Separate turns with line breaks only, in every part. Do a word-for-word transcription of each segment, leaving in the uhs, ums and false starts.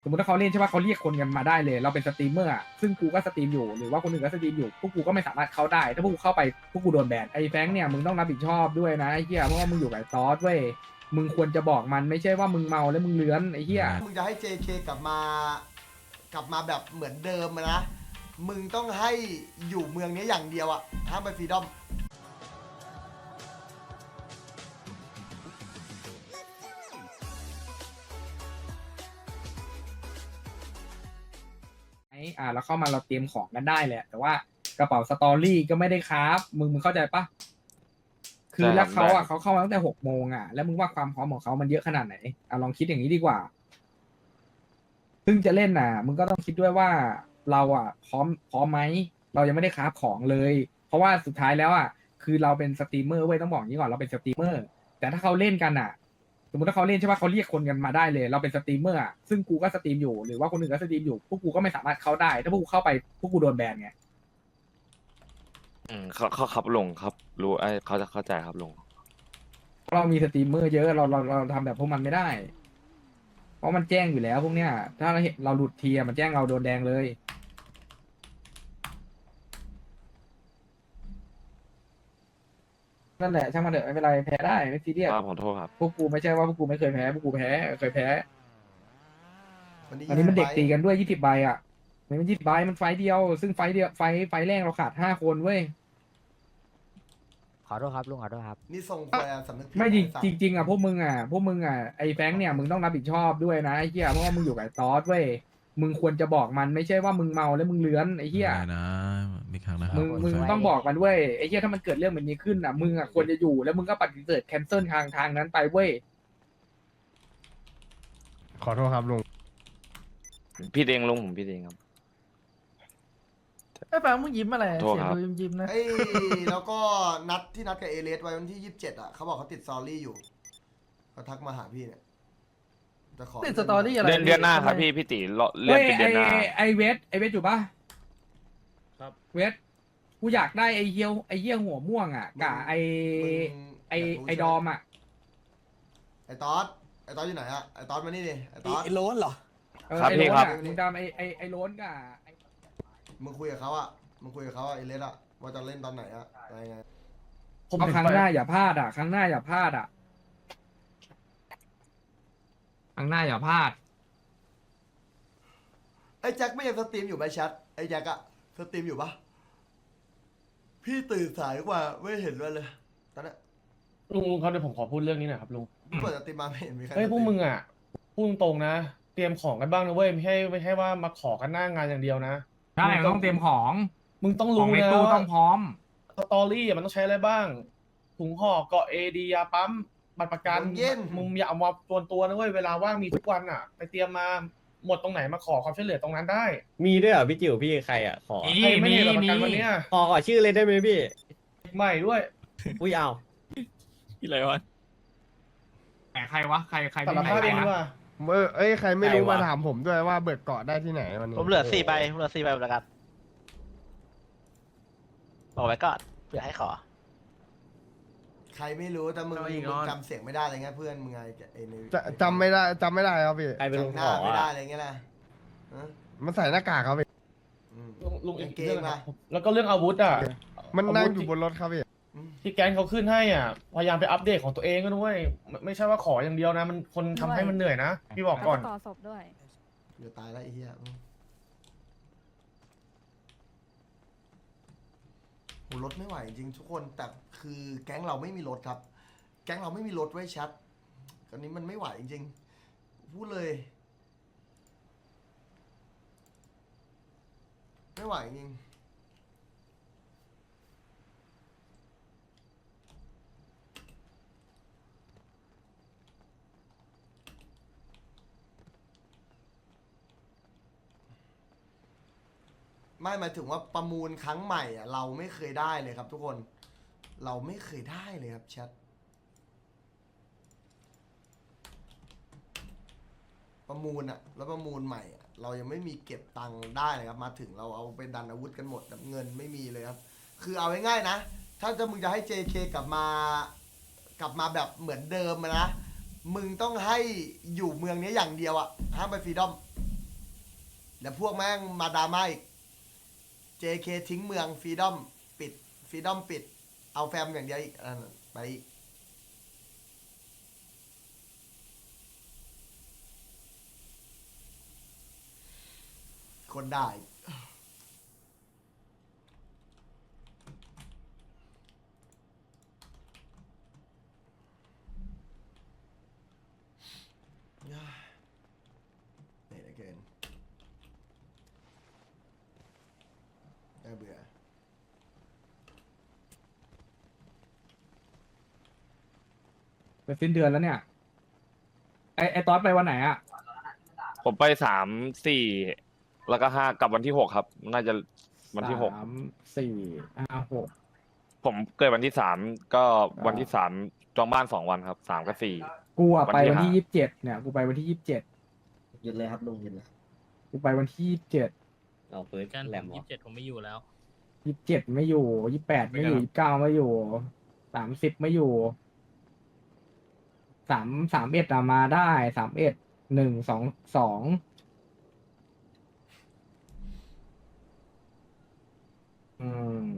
มมติถ้าเขาเล่นใช่ป่ะเขาเรียกคนกันมาได้เลยเราเป็นสตรีมเมอร์อ่ะซึ่งกูก็สตรีมอยู่หรือว่าคนอื่นก็สตรีมอยู่พวกกูก็ไม่สามารถเข้าได้ถ้าพวกกูเข้าไปพวกกูโดนแบนไอ้แฟงเนี่ยมึงต้องรับผิดชอบด้วยนะไอ้เหี้ยเพราะว่ามึงอยู่กับไอ้ตอสเว้ยมึงควรจะบอกมันไม่ใช่ว่ามึงเมาแล้วมึงเลื้อนไอ้เหี้ย
มึงจะให้ เจ เค กลับมากลับมาแบบเหมือนเดิมอะนะมึงต้องให้อยู่เมืองนี้อย่างเดียวอะห้ามไปฟรีดอม
ไอ้อ่าแล้วเข้ามาเราเตรียมของกันได้แหละแต่ว่ากระเป๋าสตอรี่ก็ไม่ได้ครับมึงมึงเข้าใจปะคือแล้วเขาอ่ะเขาเข้ามาตั้งแต่หกโมงอ่ะแล้วมึงว่าความพร้อมของเขามันเยอะขนาดไหนอ่ะลองคิดอย่างนี้ดีกว่าซึ่งจะเล่นน่ะมึงก็ต้องคิดด้วยว่าเราอ่ะพร้อมพร้อมไหมเรายังไม่ได้คราฟของเลย เพราะว่าสุดท้ายแล้วอ่ะคือเราเป็นสตรีมเมอร์เว้ยต้องบอกอย่างนี้ก่อนเราเป็นสตรีมเมอร์แต่ถ้าเขาเล่นกันอ่ะ สมมติถ้าเขาเล่นใช่ป่ะเขาเรียกคนกันมาได้เลยเราเป็นสตรีมเมอร์อ่ะซึ่งกูก็สตรีมอยู่หรือว่าคนอื่นก็สตรีมอยู่พวกกูก็ไม่สามารถเข้าได้ถ้าพวกกูเข้าไปพวกกูโดนแบนไง
อืมเขาเขาครับลุงครับรู้ไอ้เขาจะเข้าใจครับลุง
เรามีสตรีมเมอร์เยอะเราเราเราทำแบบพวกมันไม่ได้ เพราะมันแจ้งอยู่แล้วพวกเนี้ยถ้าเราเห็นเราหลุดทีอะมันแจ้งเราโดนแดงเลยนั่นแหละช่างมันเถอะไม่เป็นไรแพ้ได้ไม่ซีเรียส
ครับขอโทษครับ
พวกกูไม่ใช่ว่าพวกกูไม่เคยแพ้พวกกูแพ้เคยแพ้
วันนี้
อันนี้มันเด็กตี
ยี่สิบ
กันด้วยยี่สิบใบอ่ะมันยี่สิบใบมันไฟต์เดียวซึ่งไฟต์เดียวไฟต์ไฟต์แรกเราขาดห้าคนเว้ย
ขอโทษครับลุงขอโทษครับ
นี่ส่งไปสำนึกผิด
ไม่
อ้สัตว์
จริงจริงๆอ่ะพวกมึงอ่ะพวกมึงอ่ะไอ้แฟงค์เนี่ยมึงต้องรับผิดชอบด้วยนะไอ้เหี้ยเพราะว่ามึงอยู่กับไอ้ตอสเว้ยมึงควรจะบอกมันไม่ใช่ว่ามึงเมาแล้วมึงเลื้อนไอ้เหี้ย
ได้นะมีครั้งนะครับ
มึงมึงต้องบอกมันเว้ยไอ้เหี้ยถ้ามันเกิดเรื่องแบบนี้ขึ้นอ่ะมึงอ่ะควรจะอยู่แล้วมึงก็ปฏิเสธแคนเซิลทางทางนั้นไปเว้ย
ขอโทษครับลุง
พี่เองลุงผมพี่เองครับ
ไอ้แฟงมึงยิ้มอะไร
โทษ
เสีย
ค
ง
รับ
ดูยิ้มยิ้มๆนะ
เอ้ยแล้วก็นัดที่นัดกับเอเลสไว้วันที่ยี่สิบเจ็ดอะเขาบอกเขาติดซอรี่อยู่เขาทักมาหาพี่เนี่ยจะขอ
ติดสตอรี่อะไร
เดือนเดือนหน้าครับ
ทำไม
พี่พี่ตีเลาะเลื่อ
เฮ้
น
ย
เป็น
ไอ
เดือนหน้า
ไอเวทไอเวทอยู่ปะ
ครับ
เวทกูอยากได้ไอเฮียวไอเฮียหัวม่วงอ่ะกับไอ
มึง
ไอ
อยากรู้
ไอ
ใช่ห
ดอมอ่ะ
ไอตอสไอตอสอยู่ไหนอะไอตอสมานี่ดิไอตอส
ไอ้โล้นเหรอ
เออ
ครับ
ไอ
พี่
โล้น
ครับ
อ่ะมึงดำไอไอไอโล้นกับไอ้
มึงคุยกับเขาอะมึงคุยกับเขาอะเอเลสอะว่าจะเล่นตอนไหนอะอะไรไง
ผม
เอา
เห็น
ครั้ง
ไป
หน้าอย่าพลาดอ่ะครั้งหน้าอย่าพลาดอ่ะครั้งหน้าอย่าพลาด
ไอแจ็คไม่ยังสตรีมอยู่ไหมแชทไอแจ็คอะสตรีมอยู่ปะพี่ตื่นสายกว่าไม่เห็นเลยเลยตอนนั้น
ลุงลุงครับเดี๋ยวผมขอพูดเรื่องนี้หน่อยครับลุง
เปิดสตรีมมาไม่เห็นมีใคร
เฮ้ยพวก
สตรี
มึงอ่ะพูดตรงๆนะ เตรียมของกันบ้างนะเว้ยไม่ใช่ไม่ใช่ว่ามาขอกันหน้างานอย่างเดียวนะ
ใช่ต้องเตรียมของ
มึงต้อง
ขอ
รู้
งใน
นะ
ตู้
ว่า
ต้องพร้อม
สตอรี่อะมันต้องใช้อะไรบ้าง ถุงห่อเกาะเอดียาปั๊มบัตรประกัน
เย็น
มึงอย่าเอามาตัวตัวๆนะเว้ยเวลาว่างมีทุกวันอ่ะ ไปเตรียมมาหมดตรงไหนมาขอความช่วยเหลือตรงนั้นได้
มีด้วยเหรอพี่จิ๋วพี่ใครอ่ะขอ
มี
ใครไม่มีบัตรประกันวันเนี้ย
ขอขอชื่อเลยได้ไหมพี่
ใหม่ด้วย
อุ้ยเอา
พี่อะไรวะ
แต่ใครวะใครใคร
สาร
ไม่
ภาพ
ใคร
เองดีก
วะ
ว่า
เออเอ้ยใครไม่รู้
ใครวะ
มาถามผมด้วยว่าเบิกเกาะได้ที่ไหนวันนี้
ผมเหลือสี่ใบผมเหลือสี่ใบประกันบอกไว้ก่อนเผื่อให้ขอ
ใครไม่รู้แต่มึงมึงจำเสียงไม่ได้อะไรเงี้ยเพื่อนมึงไงไอใน
จะจำไม่ได้จำไม่ได้ครับพี่
ใครเป็นลุง
จำห
ข
น้า
อ
ไม่ได้
อ่ะ
อะไรเงี้ยนะฮะ
มันใส่หน้ากากครับพี่
อืม
ลุงลุงอีก
กางเกง
เรื่องนะ
มา
แล้วก็เรื่องอาวุธอ่ะ
มันนั่ง
อาวุธ
อยู่บนรถครับพี่
อืม
ที่แก๊งเขาขึ้นให้อ่ะพยายามไปอัปเดตของตัวเองก็ด้วยไม่ไม่ใช่ว่าขออย่างเดียวนะ มันคนทำให้มันเหนื่อยนะพี่บอกก่อน
ต่อศพด้วย
เดี๋ยวตายแล้วไอ้เหี้ยอืมโหรถไม่ไหวจริงทุกคนแต่คือแก๊งเราไม่มีรถครับ แก๊งเราไม่มีรถไว้ชัดตอนนี้มันไม่ไหวจริงพูดเลย ไม่ไหวจริงไม่หมายถึงว่าประมูลครั้งใหม่อ่ะเราไม่เคยได้เลยครับทุกคน เราไม่เคยได้เลยครับแชทประมูลอะแล้วประมูลใหม่อะเรายังไม่มีเก็บตังค์ได้เลยครับมาถึงเราเอาไปดันอาวุธกันหมดแบบเงินไม่มีเลยครับ คือเอาง่ายๆนะ ถ้าจะมึงจะให้ เจ เค กลับมากลับมาแบบเหมือนเดิมอะนะมึงต้องให้อยู่เมืองนี้อย่างเดียวอะห้ามไปฟรีดอมแล้วพวกแม่งมาดราม่าอีก เจ เค ทิ้งเมืองฟรีดอมปิดฟรีดอมปิด เอาแฟมอย่างเดียวอีกอันนั้นไปอีกคนได้ เหนื่อยเหลือเกินน่าเบื่อ
ไปสิ้นเดือนแล้วเนี่ยไอไอตอสไปวันไหนอ่ะ
ผมไปสามสี่แล้วก็ห้ากลับวันที่หกครับ น่าจะวันที่หก
สามสี่ห้าหก
ผมเกิดวันที่สามก็วันที่สามจองบ้านสองวันครับสามกับสี่
กูอะ
วัน
ไป
ที่
วันที่
ห้า
ยี่สิบเจ็ดเนี่ยกูไปวันที่ยี่สิบเจ็ด
หยุดเลยครับลุงหยุดเลย
กูไปวันที่ยี่สิบเจ็ด
เอาปืน
กัน
แหลม
ยี่สิบเจ็ดผมไม่อยู่แล้ว
ยี่สิบเจ็ดไม่อยู่ยี่สิบแปดไม่อยู่ยี่สิบเก้าไม่อยู่สามสิบไม่อยู่สามสามเอ็ดอะมาได้สามเอ็ดหนึ่งสองสองอืม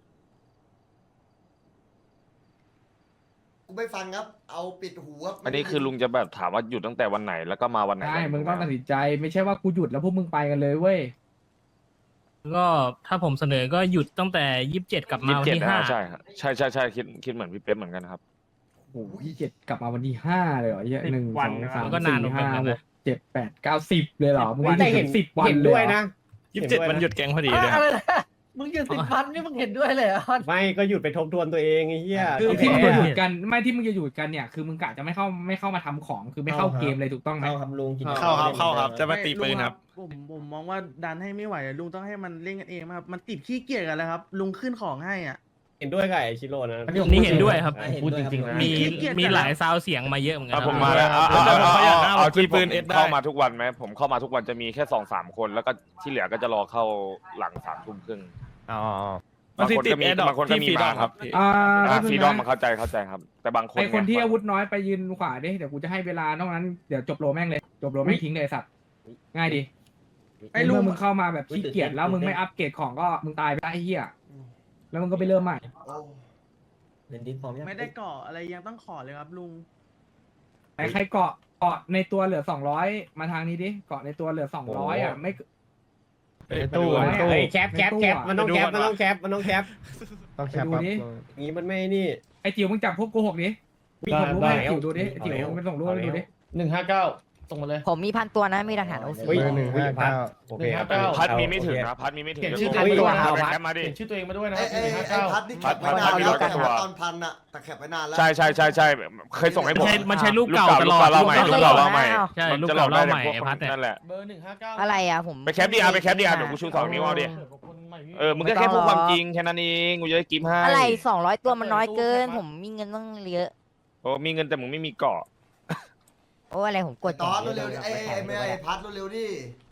กูไม่ฟังครับ เอาปิดหูครับ
อันนี้คือลุงจะแบบถามว่าหยุดตั้งแต่วันไหนแล้วก็มาวันไหน
ใช่
กัน
มึงต้องตัดสินใจ ไม่ใช่ว่ากูหยุดแล้วพวกมึงไปกันเลยเว้ย
ก็ถ้าผมเสนอก็หยุดตั้งแต่ยี่สิบเจ็ดกลับมา
ยี่สิ
วั
บ
น
เจ็ด
ที่
นะ
ห้า
ใช่ครับใช่ใช่ใช่คิดคิดเหมือนพี่เป๊ปเหมือนกันครับ
โอ้โหยี่สิบเจ็ดกลับมาวันที่ห้าเลยเหรอเหี้ย
สิบ
หนึ่ง
วั
ส
น
อง
นะครับ
สาม
ก็นาน
สี่
เหมือน
ห้า
กัน
ห
นะ
กเจ็ดแปดเก้าสิบเลยเหรอมึง
แต่
นี่
เห็น
สิบวัน
เห็น
เลย
ด้วย
เหร
นะ
อ
ยี่สิบเจ็ด
ห็
วันหยุดแกงพอดีเลย
อะไรนะมึงหยุดสิบวันนี่มึงเห็นด้วยเลยเหรอ
ไม่ก็หยุดไปทบทวนตัวเองไอ้เหี้ย
คือที่มึง
แพ้
จะหยุดกันไม่ที่มึงจะหยุดกันเนี่ยคือมึงกะจะไม่เข้าไม่เข้ามาทำของคือไม่เข้าเกมเลยถูกต้องไหม
เข้าครับลุงกิน
เข้าครับเข้าครับจะมาตีปืนครับ
ผมผมมองว่าดันให้ไม่ไหวอะลุงต้องให้มันเล่นกันเองครับมันติดขี้เกียจกันแล้วครับ ลุงขึ้นของให้อ่ะ
เห็นด้วยกับไอชิโร่นะ
อันนี้ผม
นี่เห็นด้วยครับ
พูดจริงๆนะ
มี
ขี้เกียจ
มี
จัด
หลายซาวเสียงมาเยอะเหมือนกั
อ่ะ
น
ผม
ครับ
มาแล้วเอา
แล้
เอา
ว
เอา
เขาอยากหน้า
เอา
ว่า
ที่
ปื
ปื
น
น
เอสได้
เข้ามาทุกวันไหมผมเข้ามาทุกวันจะมีแค่สองสามคน แล้วก็ที่เหลือก็จะรอเข้าหลังสามทุ่มครึ่ง
อ๋อ
บางคนก็มีบางคนก็มีมาครับ
อ่า
อ่า
ก็
ฟ
คื
รี
อ
ดอม
นะ
มันเข้าใจเข้าใจครับ แต่บางคน
ไอคนที่
เย
อาวุธน้อยไปยืนขวาดิเดี๋ยวกูจะให้เวลานอกนั้นเดี๋ยวจบโลแม่งเลยจบโลแม่งทิ้งเลยไอ้สัตว์ง่ายดี
ไอ้
ไอ้
ลุ
ลุ
ง
งมึงเข้ามาแบบขี้เกียจแล้วมึงไม่อัปเกรดของก็มึงตายไปได้ไอ้เหี้ยแล้วมึงก็ไปเริ่มใหม่
โอ้
เล่นดิสพร้อมยัง
ไม่ได้เกาะอะไรยังต้องขอเลยครับลุง
ไอ้ใครเกาะเกาะในตัวเหลือสองร้อยมาทางนี้ดิเกาะในตัวเหลือสองร้อยอ่ะไม่
ไอ้ตู้
ไม่
ไอ้
ดู
ตู้
เฮ้ยแคปแคปแคปมันต้องแคปมันต้องแคปมันต้องแคป
ต้องแคป
ไปดู
ปั๊บ
ดิ
อย่างนี้มันไม่นี่
ไอ้จิ๋วมึงจับพวกโกหกดิมีผมรู้ไหมจิ๋วดูดิจิ๋วมันส่งรูปให้ดูดิ
หนึ่งห้าเก้าส่งมาเลย
ผมมีพันตัวนะมีหลักฐานโอซี
เฮ้ย
เบอร์หนึ่งห้าเก้า
โอเคครับ
หนึ่งห้าเก้า
พัดมีไม่ถึงนะพัดมีไม่ถึง
เขียน
ดี๋ว
ชื่อ
ส่ง
ตัวเอง
ให้
มา
ดู
ด้วย
แคปมาดิ
เขียนชื่อตัวเองมาด้วยนะ
ไอ้ไอ้
หนึ่งห้า
ไอ้
เก้า
พัดนี่แคปไว้
พั
นา
ด
น
มี
แล้ว
ร้อยกว่าตัว
ตอนพันอะแต่แคปไว้นานแล้ว
ใช่ใช่ใช่ใช่เคยส่งให้ผม
ใช่มันใช้รูปเก่าตลอด
เล่าใหม่
รู
รู
ป
ป
เก่า
เก่าเล่าใหม่
ใช่
มัน
รูป
จะหล
เก่า
อกได้
เล่าใหม่
พวก
ไอ้พัดเนี่ย
นั่นแหละ
เบอร์หนึ่งห้าเก้า
อะไรอ่ะผม
ไปแคปดิอาไปแคปดิอาเดี๋ยวกูชูสองนิ้วเอาดิ เออมึงก็แค่พูดความจริงแค่นั้นเองกูจะได้กิฟต์ให้
อะไรสองร้อยตัวมันน้อยเกิน ผมมีเงินต้องเยอะ
โอ้มีเงินแต่มึงไม่มีเกาะ
โอ้อะไรผมกด
ตอนเร็วๆดิไอ้ไอ้ไม่ไอ้พัดเร็วๆดิ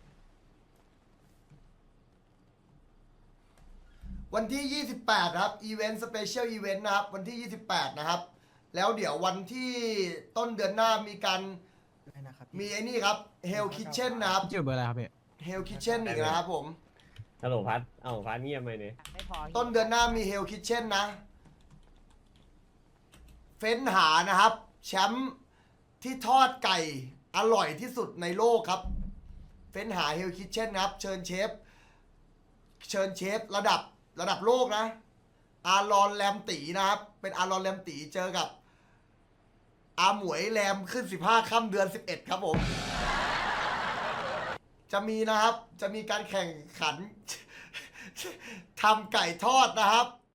วันที่ยี่สิบแปดครับอีเวนต์สเปเชียลอีเวนต์นะครับวันที่ยี่สิบแปดนะครับแล้วเดี๋ยววันที่ต้นเดือนหน้ามีการมีไอ้นี่ครับเฮลคิ t เช่นนะครับ
ชื่อเบอร์อะไรครับพี่
เฮลคิ t เช่นอีกนะครับผม
ฮัลโหลพัดเอ้าพัดเงียบไปเนี่ย
ไม่พอ
ต้นเดือนหน้ามีเฮลคิ t เช่นนะ เฟ้นหานะครับ แชมป์ที่ทอดไก่อร่อยที่สุดในโลกครับ เฟ้นหาเฮลคิ t เช่นนะครับ เชิญเชฟ เชิญเชฟระดับระดับโลกนะ อารอนแรมตีนะครับ เป็นอารอนแรมตีเจอกับ อาหมวยแรมขึ้นสิบห้าค่ำเดือนสิบเอ็ดครับผม จะมีนะครับ จะมีการแข่งขัน ทำไก่ทอดนะครับ